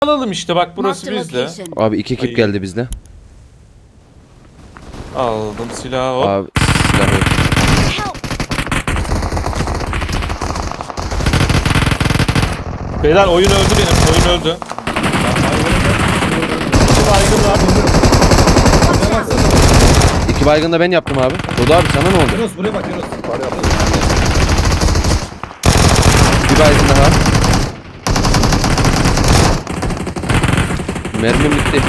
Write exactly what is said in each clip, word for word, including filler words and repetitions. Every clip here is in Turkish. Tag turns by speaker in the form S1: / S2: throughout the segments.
S1: Alalım işte bak burası bizde.
S2: Abi iki ekip
S1: Ay.
S2: geldi bizde.
S1: Aldım silahı hop.
S2: Abi silah yok.
S1: Beyler oyun öldü benim. Oyun öldü. İki baygın var.
S2: İki baygın da ben yaptım abi. Dodo abi sana ne oldu?
S3: Yunus buraya bak Yunus.
S2: Bir baygın daha. Mermim bitti.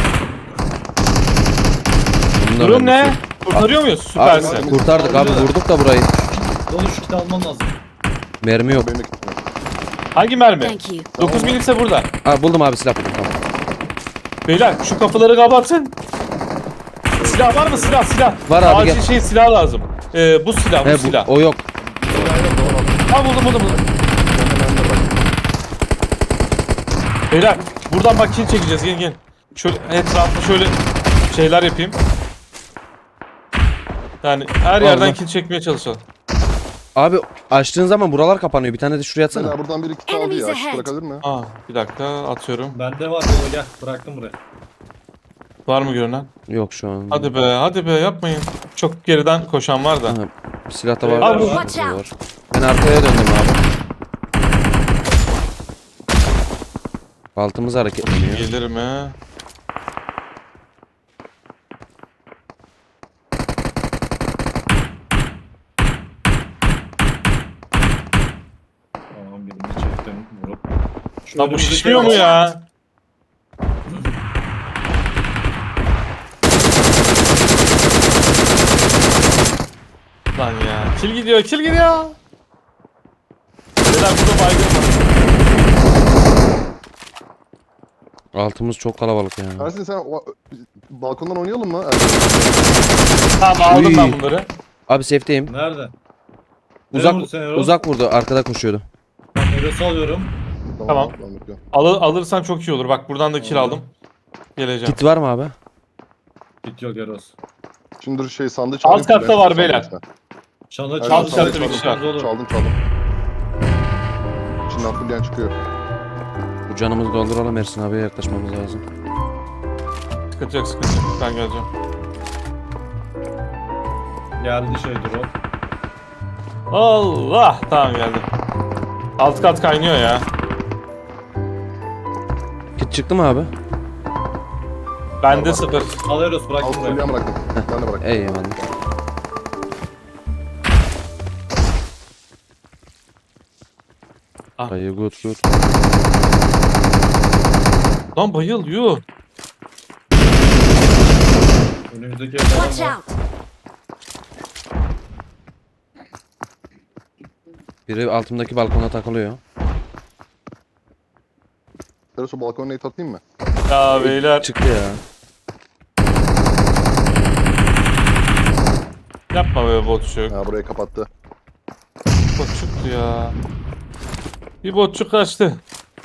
S2: Bunun da
S1: Durum
S2: mermisi
S1: ne?
S2: yok.
S1: Kurtarıyor muyuz?
S2: Abi
S1: Süpersin.
S2: kurtardık abi, vurduk da burayı.
S3: Dolu şu kiti alman lazım.
S2: Mermi yok.
S1: Hangi mermi?
S4: Thank you.
S1: dokuz milimse burada.
S2: Abi buldum abi, silah buldum, tamam.
S1: Beyler şu kapıları kapatın. Silah var mı? Silah silah.
S2: Var abi,
S1: Acil
S2: gel.
S1: şey silah lazım. Ee, bu silah bu
S2: He, bu,
S1: silah.
S2: o yok.
S1: Ha buldum buldum buldum. Beyler buradan bak kill çekeceğiz, gelin gelin. Şöyle etrafı şöyle şeyler yapayım. Yani her yerden
S2: Allah.
S1: kill çekmeye çalışalım.
S2: Abi açtığın zaman buralar kapanıyor. Bir tane de şuraya atsana.
S5: Mesela buradan biri kit aldı
S4: Enemies
S5: ya.
S4: ahead.
S5: Bırakabilir mi?
S1: Aa bir dakika atıyorum.
S3: Bende var dolu gel. Bıraktım buraya.
S1: Var mı görünen?
S2: Yok şu an.
S1: Hadi be hadi be yapmayın. Çok geriden koşan var da.
S2: Aha, bir silah da var.
S1: Abi,
S2: Var.
S4: watch out.
S2: var. Ben arkaya döndüm abi. Altımız hareketleniyor.
S1: Gelir mi?
S3: Tamam birini çektim vurup. Şu
S1: Lan bu
S3: önümüzdeki
S1: şişmiyor mu
S3: araç-
S1: ya? Lan ya. Kill gidiyor, kill gidiyor. Beyler burada baygın var.
S2: Altımız çok kalabalık ya.
S5: Ersin sen o- balkondan oynayalım mı?
S1: Tamam aldım
S2: Uy.
S1: ben bunları.
S2: Abi safe'teyim.
S3: Nerede?
S2: Uzak
S3: vurdu seni Erol?
S2: uzak vurdu. Arkada koşuyordu.
S3: Eros'u alıyorum.
S1: Tamam.
S5: bekliyorum.
S1: Al alırsan çok iyi olur. Bak buradan da kill
S3: Aldım.
S1: aldım. Geleceğim.
S2: Kit var mı abi?
S3: Git yok Eros.
S5: Şimdi dur şey sandığı
S1: Alt
S5: çalayım.
S1: katta
S5: Ben-
S1: var
S5: sandığı
S1: beyler.
S5: işte.
S3: Çanı
S5: Evet,
S3: çaldı.
S1: alt katta
S5: çaldım,
S1: bir kişi
S5: çaldım,
S1: var.
S5: Çaldım çaldım. Şimdi altı diyen çıkıyor.
S2: Bu canımızı dolduralım, Ersin abiye yaklaşmamız lazım.
S1: Sıkıntı yok sıkıntı yok. Ben geleceğim.
S3: Geldi şey drop.
S1: Allah! Tamam geldim. Alt kat kaynıyor ya.
S2: Kit çıktı mı abi?
S1: Bende
S5: Var, var.
S1: sıfır.
S3: Al Eros bıraktım
S5: Altı
S3: buraya.
S5: diyen bıraktım. Ben de bıraktım.
S2: Eyvallah.
S1: Ah.
S2: Dayı good good.
S1: Lan bayıl yuh.
S3: Önümüzdeki
S4: Watch
S3: evden var.
S4: out.
S2: Biri altımdaki balkona takılıyor.
S5: Ersin balkona neyi atayım mı?
S1: Ya beyler.
S2: Çıktı ya.
S1: Yapma be botçuk.
S5: Ha burayı kapattı.
S1: Botçuktu ya. Bir botçuk kaçtı.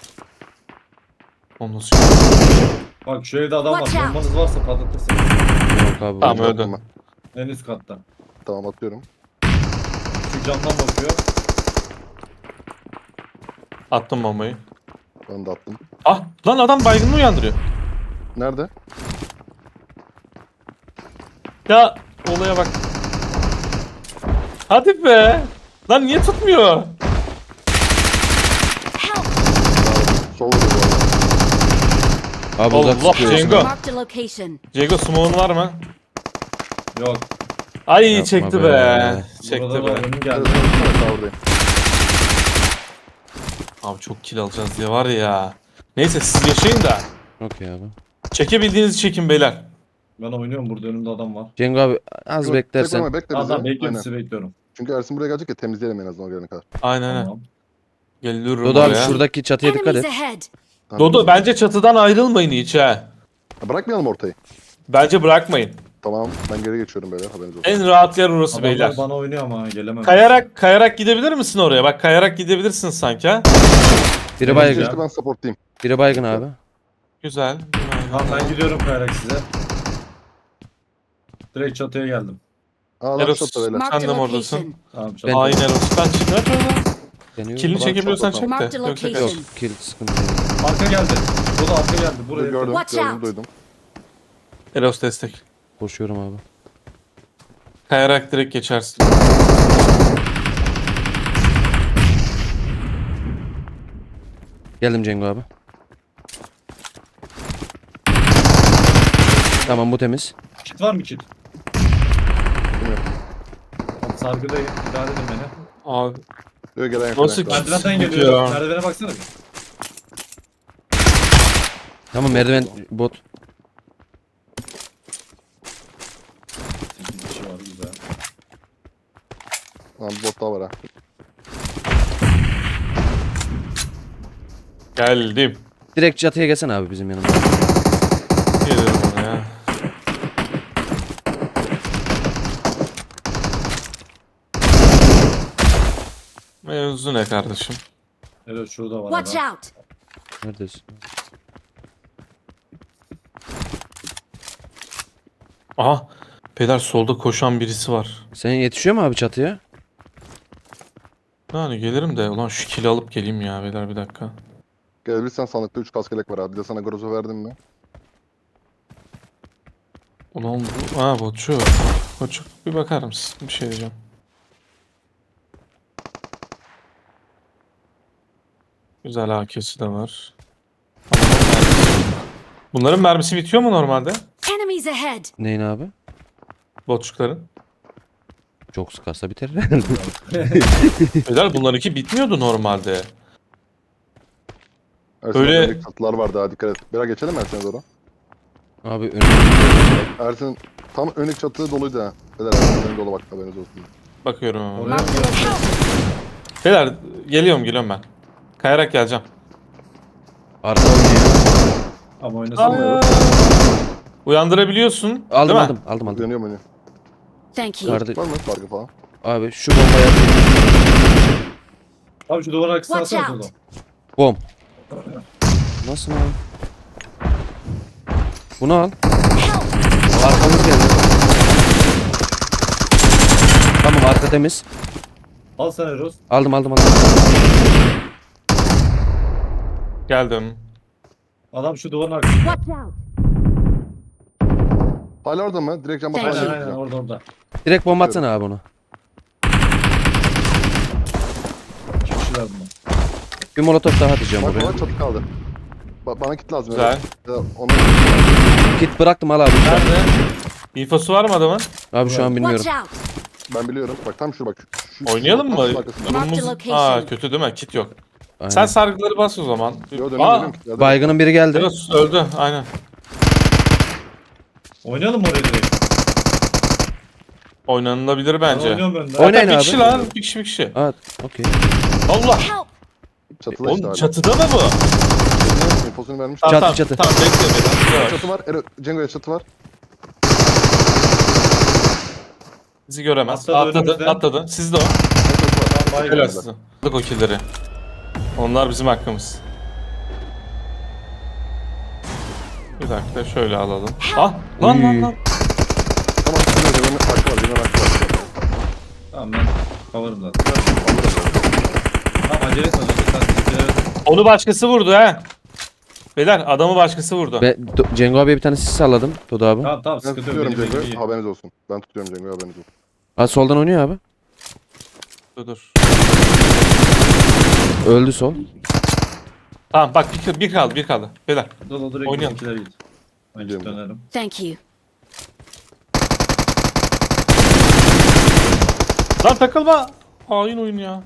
S1: Onu nasıl
S3: Bak şu evde adam var.
S4: Watch out.
S3: Bombanız varsa patlatırsınız.
S2: Yok abi.
S1: Tamam,
S2: bu-
S1: öldü.
S5: Attım ben.
S3: En üst katta.
S5: Tamam atıyorum.
S3: Şu camdan bakıyor.
S1: attım bombayı.
S5: Ben de attım.
S1: Ah lan adam baygınlığı uyandırıyor.
S5: Nerede?
S1: Ya olaya bak. Hadi be. Lan niye tutmuyor?
S4: Help.
S5: Sol vuruyor bu arada.
S2: Abi uzak
S1: Allah,
S2: sıkıyor.
S1: Cengo.
S4: Marked a location.
S1: Diego smoke'un var mı?
S3: Yok.
S1: Ay
S2: Yapma
S1: çekti be.
S2: be.
S1: Çekti
S3: Burada
S1: be.
S3: var. Önüm geldi.
S5: Evet, evet, sağ oradayım.
S1: Abi çok kill alacağız diye var ya. Neyse siz yaşayın da.
S2: Okey abi.
S1: Çekebildiğinizi çekin beyler.
S3: Ben oynuyorum burada önümde adam var.
S2: Cengo abi az beklersen.
S5: Bekleme, bekle bizi.
S3: Adam bekliyorum
S5: Aynen.
S3: sizi bekliyorum.
S5: Çünkü Ersin buraya gelecek ya temizleyelim en azından o gelene kadar.
S1: Aynen aynen.
S3: Tamam.
S1: Geliyorum
S2: Dodo abi
S1: oraya.
S2: şuradaki çatıya dikkat
S4: Enemies
S2: et.
S4: ahead.
S5: Tamam,
S1: Dodo
S5: biz-
S1: bence çatıdan ayrılmayın hiç ha.
S5: Ha, bırakmayalım ortayı.
S1: Bence bırakmayın.
S5: Tamam ben geri geçiyorum beyler haberiniz olsun.
S1: En rahat yer orası
S3: Adamlar
S1: beyler.
S3: bana oynuyor ama gelemem.
S1: Kayarak kayarak gidebilir misin oraya? Bak kayarak gidebilirsin sanki ha.
S2: Biri
S3: Evet
S2: baygın.
S3: ya.
S5: İşte ben supportlayayım.
S2: Biri baygın abi.
S1: Güzel.
S3: Tamam ben gidiyorum kayarak size. Direkt çatıya geldim.
S5: Aa lan
S1: Eros.
S5: şurada beyler.
S4: Marked
S1: Sen
S4: a
S1: de mi oradasın?
S4: location.
S3: Tamam
S2: Ben-
S3: çatıya.
S1: Aynen Eros'tan çık. Hadi oradan.
S2: Deniyor.
S1: Kilini
S5: Ulan
S1: çekebiliyorsan
S5: çok
S1: çek
S4: Marked
S1: de.
S4: a
S1: Yoksa
S4: location.
S1: kaç.
S2: Yok kill sıkıntı yok.
S3: Arka geldi. Bu da arka geldi. Buraya.
S5: Gördüm,
S4: Watch
S5: gördüm,
S4: out.
S5: duydum.
S1: Eros destek.
S2: Koşuyorum abi.
S1: Kayarak direkt geçersin.
S2: Geldim Cengo abi. Tamam bu temiz.
S3: Kit var mı kit? Tamam, sargıdayım. İdare edin beni.
S1: Abi
S5: Diyor gelen yok.
S1: Nasıl
S5: gelen yok.
S3: Merdivenden
S1: Bitiyor.
S3: geliyor. Merdivene baksana bir.
S2: Tamam merdiven bot.
S3: sekiz kişi var güzel.
S5: Tamam bir bot daha var ha.
S1: geldim.
S2: Direkt çatıya gelsene abi bizim yanımıza.
S1: Geliyorum ona ya. Mevzu ne kardeşim?
S3: Evet şurada var
S4: Watch
S3: adam.
S4: out!
S2: Neredesin?
S1: Aha. Peder solda koşan birisi var.
S2: Sen yetişiyor mu abi çatıya?
S1: Yani gelirim de ulan şu kili alıp geleyim ya beyler bir dakika.
S5: Gelebilirsen sandıkta üç kaskelek var abi. Bir de sana grozo verdim mi?
S1: Ulan bu... Ha botçu. Botçu bir bakar mısın? Bir şey diyeceğim. Güzel A K'si de var. Bunların mermisi bitiyor mu normalde?
S4: Enemies ahead!
S2: Neyin abi?
S1: Botçukların.
S2: Çok sıkarsa biter.
S1: Beyler bunlarınki bitmiyordu normalde.
S5: Ersin
S1: Öyle-
S5: Öyle... Çatılar vardı ha, dikkat et. Biraz geçelim mi Ersin'e doğru?
S2: Abi önüm.
S5: Ersin tam önlük çatı doluydu ha. Beyler Ersin'in dolu bak, haberiniz olsun.
S1: Bakıyorum ama.
S3: Oraya
S4: Marked a location.
S1: Beyler geliyorum geliyorum ben. Kayarak geleceğim.
S2: Arka oynuyor.
S3: Ama oynasana.
S1: Uyandırabiliyorsun.
S2: Aldım
S1: değil mi?
S2: aldım aldım aldım.
S5: Dönüyor mu?
S4: Thank you.
S2: Kardı.
S5: Var mı farkı falan?
S2: Abi şu bombaya
S3: Abi şu duvar arkasına
S4: Watch
S3: alsana
S4: out.
S3: şuradan.
S2: bom. Nasıl abi? Bunu al.
S4: Help!
S2: Arkamız geldi. Tamam arka temiz.
S3: Al sen Eros.
S2: Aldım aldım aldım.
S1: Geldim.
S3: Adam şu duvarın arkasında.
S4: Watch out!
S5: Hala orada mı? Direkt cam
S4: Aynen,
S3: Aynen
S5: basmaya
S3: aynen
S5: çalışacağım.
S3: orada orada.
S2: Direkt bomba atsana abi onu.
S3: İki kişiler bunlar.
S2: Bir molotof daha atacağım
S5: Bak
S2: buraya.
S5: bana çatı kaldı. Ba bana kit lazım.
S1: Güzel.
S5: Ya, onu...
S2: Kit bıraktım al abi.
S1: Nerede? İnfosu var mı adamın?
S2: Abi şu an bilmiyorum.
S4: Watch out!
S5: Ben biliyorum. Bak tam şurada bak. Şu, şu-
S1: Oynayalım
S5: tam
S1: mı?
S5: şunun arkasında.
S4: Mark the
S1: Durumumuz...
S4: location.
S1: Aa kötü değil mi? Kit yok.
S2: Aynen.
S1: Sen sargıları bas o zaman.
S5: Yo dönüyorum
S1: Aa,
S5: dönüyorum. Hadi.
S2: Baygının biri geldi.
S1: Eros öldü aynen.
S3: Oynayalım mı oraya direkt?
S1: Oynanılabilir
S3: Ben
S1: bence.
S3: oynuyorum ben de.
S2: Oynayın
S1: bir
S2: abi.
S1: kişi lan. Bir kişi bir kişi.
S2: Evet. Okey.
S1: Allah.
S4: Help!
S5: Çatıda işte
S1: Oğlum
S5: hala.
S1: çatıda mı bu?
S5: İnfosunu vermiş.
S1: Tamam,
S2: Çatı,
S1: tamam,
S2: çatı.
S1: Tamam bekle beni. Yavaş.
S5: Çatı var. Ero, Cengo'ya çatı var.
S1: Bizi göremez.
S3: Atladı
S1: Atladı,
S3: önümüzden.
S1: atladı. Siz de o.
S5: Çatı var.
S3: Tamam, baygın.
S1: Helal size. Aldık o killleri. Onlar bizim hakkımız. Bir dakika şöyle alalım. Ah lan lan
S2: Uy.
S1: lan.
S5: Tamam. Cengo'nun hakkı var. Cengo'nun hakkı var.
S3: Tamam ben cover'ım zaten. Tamam acele etme. Sen acele etme.
S1: Onu başkası vurdu ha. Beyler adamı başkası vurdu.
S2: Ben Do- Cengo abiye bir tane sis salladım. Dodo abi.
S3: Tamam tamam
S5: Ben
S3: sıkıntı yok.
S5: tutuyorum
S3: Benim benim
S5: Cengo'yu.
S3: iyi.
S5: Haberiniz olsun. Ben tutuyorum Cengo'yu. Haberiniz olsun.
S2: Ha soldan oynuyor abi.
S1: Dur dur.
S2: Öldü sol.
S1: Tamam bak bir, bir kaldı bir kaldı. Beyler
S3: Dur dur direkt
S1: Oynayalım.
S3: bizimkiler git. Ben
S5: Gidiyorum.
S3: dönerim.
S4: Thank you.
S1: lan takılma. Hain oyun ya.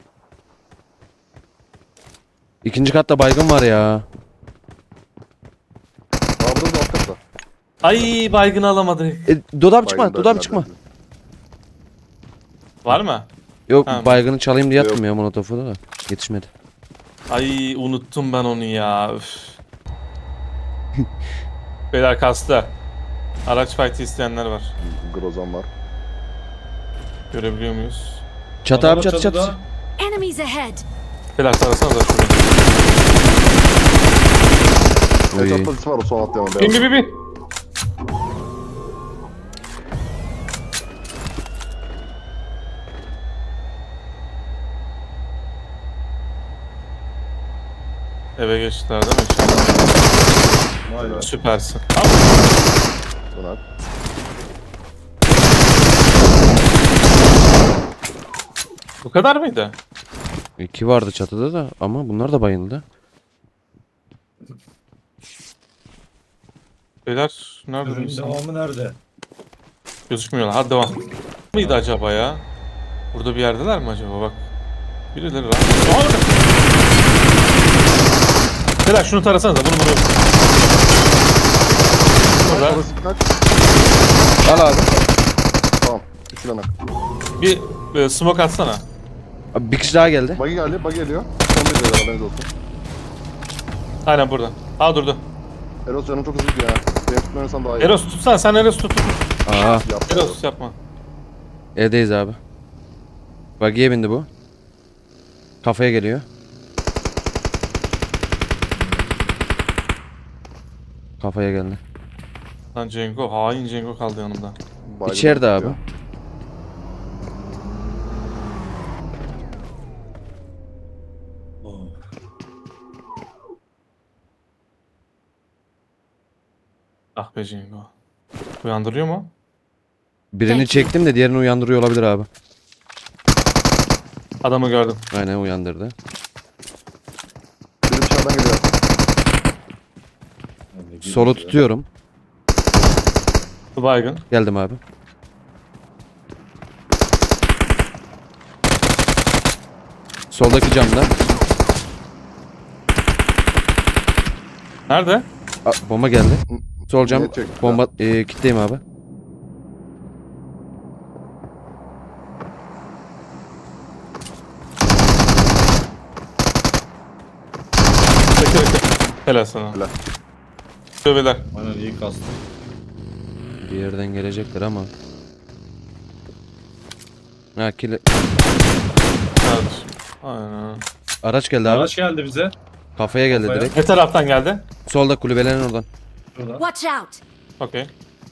S2: İkinci katta baygın var ya.
S5: Aa burada da alt katta.
S1: Ay baygını alamadık.
S2: E, Dodo abi çıkma.
S5: Baygın
S2: Dodo abi
S5: da-
S2: çıkma.
S1: Var mı?
S2: Yok
S1: Ha.
S2: baygını çalayım diye
S5: Yok.
S2: attım ya molotofu da. Yetişmedi.
S1: Ay unuttum ben onu ya. Üf. Beyler kastı. Araç fight'i isteyenler var.
S5: Grozan var.
S1: Görebiliyor muyuz?
S2: Çatı
S3: Adamın
S2: abi çatı
S3: çatıda.
S2: çatı.
S4: Enemies ahead!
S1: Beyler sarasana da şurada.
S5: Evet
S2: Oy.
S5: atlatısı var o son atlayan.
S1: Bin bin bin bin. Eve geçtiler değil mi? İnşallah.
S3: Aynen.
S1: Süpersin. Al.
S5: Buna.
S1: Bu kadar mıydı?
S2: İki vardı çatıda da ama bunlar da bayıldı.
S1: Beyler nerede
S3: Ürün
S1: bu?
S3: devamı nerede?
S1: Gözükmüyorlar. Hadi devam. Mıydı acaba ya? Burada bir yerdeler mi acaba bak. Birileri rahat. Aa, orada. Beyler şunu tarasanıza bunu bunu. Burada
S5: Orası kaç?
S2: Al abi.
S5: Tamam. Üç lanak.
S1: bir e, smoke atsana.
S2: Abi bir kişi daha geldi.
S5: Buggy geldi. Buggy geliyor. Son bir beyler haberiniz olsun.
S1: Aynen burada. Aa durdu.
S5: Eros canım çok hızlı gidiyor ya. Benim tutmuyorsan daha iyi.
S1: Eros tutsana sen Eros tut.
S2: Aa,
S5: Yap.
S1: Eros yapma.
S2: evdeyiz abi. Buggy'ye bindi bu. Kafaya geliyor. Kafaya geldi.
S1: Lan Cengo hain Cengo kaldı yanımda.
S5: Baygın
S2: İçeride abi.
S5: gidiyor.
S3: Oh.
S1: Ah be Cengo. Uyandırıyor mu?
S2: Birini çektim de diğerini uyandırıyor olabilir abi.
S1: Adamı gördüm.
S2: Aynen uyandırdı.
S5: Biri dışarıdan geliyor.
S3: Yani
S2: Solu tutuyorum.
S1: Bu baygın.
S2: Geldim abi. Soldaki camda.
S1: Nerede?
S2: Aa, bomba geldi. Sol cam
S5: Niye çekti?
S2: bomba e, kitleyim abi.
S1: Bekle bekle. Helal sana.
S5: Helal.
S1: Tövbeler.
S3: Aynen iyi kastı.
S2: Bir yerden gelecekler ama. Ha kile...
S1: Kardeşim. Aynen.
S2: Araç geldi abi.
S3: Araç geldi bize.
S2: Kafaya geldi
S3: Kafaya.
S2: direkt.
S1: Ne taraftan geldi?
S2: Solda kulübelerin oradan.
S3: Şurada.
S4: Watch out!
S1: Okey.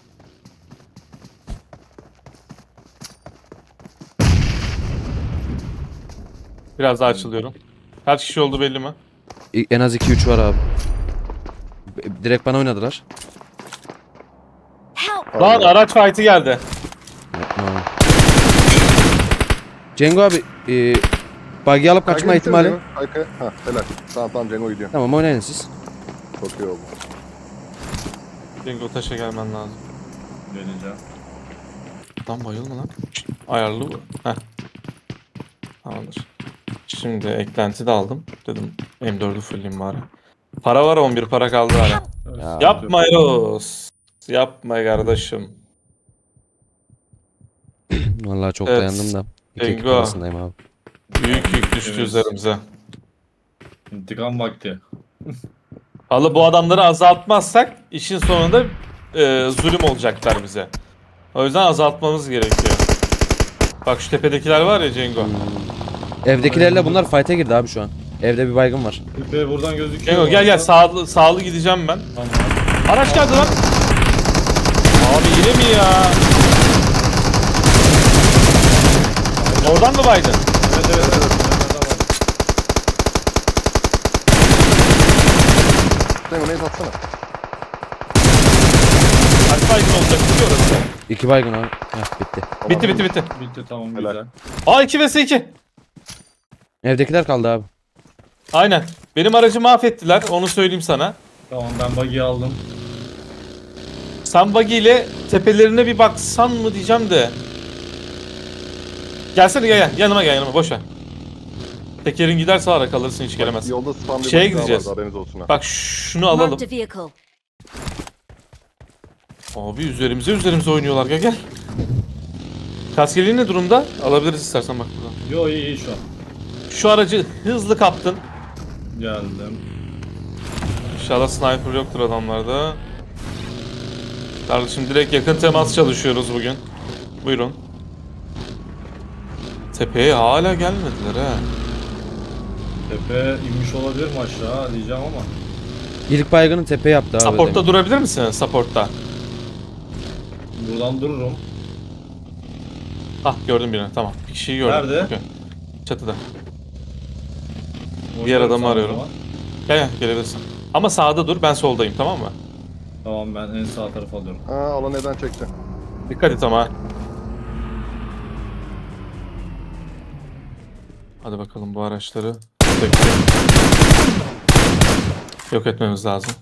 S1: Biraz daha açılıyorum. Kaç kişi oldu belli mi?
S2: İ- En az iki üç var abi. B- Direkt bana oynadılar.
S4: Help!
S1: Lan araç fight'i geldi.
S2: Yapma abi. Cengo abi e, buggy alıp kaçma
S5: Kaykaya
S2: ihtimali.
S5: gitsene Cengo. Kaykaya. Hah helal. Tamam tamam Cengo gidiyor.
S2: Tamam oynayın siz.
S5: Çok iyi oldu.
S1: Cengo taşa gelmen lazım.
S3: Geleceğim.
S1: Lan bayılma lan. Şşt, ayarlı bu. Heh. Tamamdır. Şimdi eklenti de aldım. Dedim M dördü fullleyeyim bari. Para var on bir para kaldı hala.
S2: Ya.
S1: Yapma Eros. Yapma kardeşim.
S2: Vallahi çok
S1: Evet.
S2: dayandım da. İki ekip
S1: Cengo.
S2: arasındayım abi.
S1: Büyük yük düştü
S3: Evet.
S1: üzerimize.
S3: İntikam vakti.
S1: Valla bu adamları azaltmazsak işin sonunda e, zulüm olacaklar bize. O yüzden azaltmamız gerekiyor. Bak şu tepedekiler var ya Cengo.
S2: Evdekilerle bunlar fight'e girdi abi şu an. Evde bir baygın var.
S3: Tepe buradan gözüküyor.
S1: Cengo gel gel sağlı, sağlı gideceğim ben.
S3: Tamam.
S1: Araç geldi lan. Abi yine mi ya? Oradan mı baydın?
S3: Evet evet evet. Nerede var?
S5: Cengo neyi atsana.
S1: Kaç baygın olacak biliyor orası.
S2: İki baygın abi. Heh bitti.
S5: Tamam.
S1: Bitti bitti bitti.
S3: Bitti tamam
S5: Helal.
S3: güzel.
S1: Aa iki vs iki.
S2: Evdekiler kaldı abi.
S1: Aynen. Benim aracı mahvettiler onu söyleyeyim sana.
S3: Tamam ben buggy'i aldım.
S1: Sen buggy ile tepelerine bir baksan mı diyeceğim de. Gelsene gel gel yanıma gel yanıma boş ver. Tekerin giderse ara kalırsın hiç gelemezsin.
S5: Yolda spam bir
S1: Şeye
S5: buggy daha
S1: gideceğiz.
S5: vardı, haberiniz olsun ha.
S1: Bak şunu alalım.
S4: Marked a vehicle.
S1: Abi üzerimize üzerimize oynuyorlar gel gel. Kaskeliğin ne durumda? Alabiliriz istersen bak buradan.
S3: Yo iyi iyi şu an.
S1: Şu aracı hızlı kaptın.
S3: Geldim.
S1: İnşallah sniper yoktur adamlarda. Kardeşim direkt yakın temas çalışıyoruz bugün. Buyurun. Tepeye hala gelmediler ha.
S3: Tepe inmiş olabilir mi aşağı diyeceğim ama.
S2: İlk baygını tepe yaptı abi.
S1: Support'ta
S2: demin.
S1: durabilir misin? Support'ta.
S3: Buradan dururum.
S1: Ah gördüm birini tamam. Bir kişiyi gördüm.
S3: Nerede?
S1: Okey. Çatıda.
S3: Orada
S1: Diğer adamı
S3: sağ
S1: arıyorum.
S3: zaman.
S1: Gel gel gelebilirsin. Ama sağda dur ben soldayım tamam mı?
S3: Tamam ben en sağ tarafı alıyorum.
S5: Ha alan neden çekti?
S1: Dikkat et ama. Hadi bakalım bu araçları tek tek yok etmemiz lazım.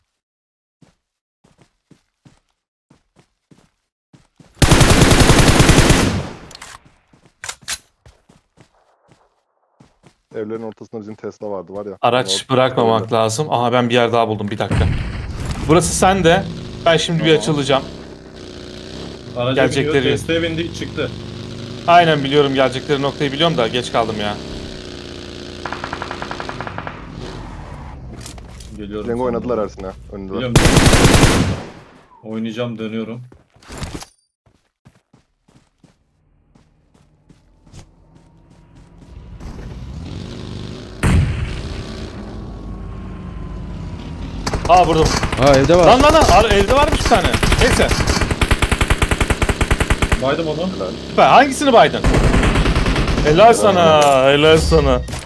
S5: Evlerin ortasında bizim Tesla vardı var ya.
S1: Araç
S5: O-
S1: bırakmamak
S5: öyle.
S1: lazım. Aha ben bir yer daha buldum, bir dakika. Burası sende. Ben şimdi bir
S3: Tamam.
S1: açılacağım.
S3: Araca
S1: Gelecekleri-
S3: biniyor, Tesla'ya bindi çıktı.
S1: Aynen biliyorum, gelecekleri noktayı biliyorum da geç kaldım ya.
S3: Geliyorum.
S5: Cengo
S3: sana.
S5: oynadılar Ersin ha. Önünde.
S3: Biliyorum. Oynayacağım, dönüyorum.
S1: Aa vurdum.
S2: Aa evde var.
S1: Lan lan lan, Ar- evde varmış bir tane. Neyse.
S3: Baydım onu.
S1: Süper. Hangisini baydın? Helal sana, helal sana.